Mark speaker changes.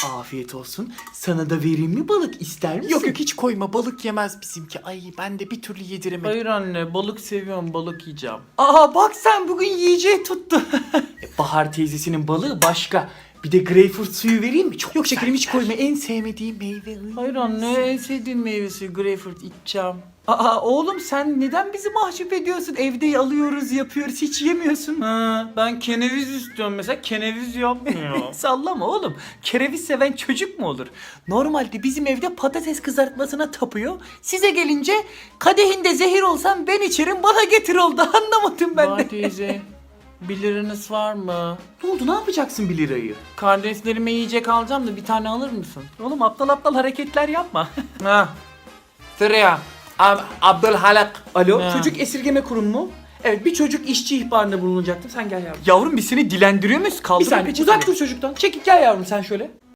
Speaker 1: Afiyet olsun. Sana da vereyim mi balık, ister misin?
Speaker 2: Yok hiç koyma, balık yemez bizimki. Ay ben de bir türlü yediremedim.
Speaker 1: Hayır anne, balık seviyorum, balık yiyeceğim.
Speaker 2: Aa bak sen bugün yiyeceği tuttu.
Speaker 1: Bahar teyzesinin balığı başka. Bir de greyfurt suyu vereyim mi? Çok
Speaker 2: Yok şekerim hiç
Speaker 1: güzel.
Speaker 2: koyma, en sevmediğim meyve.
Speaker 1: Hayır anne, en sevdiğim meyvesi greyfurt, içeceğim.
Speaker 2: Aa oğlum sen neden bizi mahcup ediyorsun? Evde alıyoruz yapıyoruz hiç yemiyorsun.
Speaker 1: Ha, ben keneviz istiyorum mesela, keneviz yapmıyor.
Speaker 2: Sallama oğlum. Kereviz seven çocuk mu olur? Normalde bizim evde patates kızartmasına tapıyor. Size gelince kadehinde zehir olsam ben içerim bana getir oldu. Anlamadım ben
Speaker 1: Bahar
Speaker 2: de.
Speaker 1: teyze, 1 liranız var mı?
Speaker 2: Ne oldu, ne yapacaksın 1 lirayı?
Speaker 1: Kardeşlerime yiyecek alacağım da bir tane alır mısın?
Speaker 2: Oğlum aptal aptal hareketler yapma.
Speaker 1: Ha. Sıraya. Abdülhalak.
Speaker 2: Alo,
Speaker 1: Ha.
Speaker 2: çocuk esirgeme kurumu mu? Evet, bir çocuk işçi ihbarında bulunacaktım. Sen gel yavrum. Yavrum biz seni dilendiriyor muyuz? Kaldır
Speaker 1: Bir saniye,
Speaker 2: peçeteni.
Speaker 1: uzak dur çocuktan.
Speaker 2: Çekil gel yavrum sen şöyle.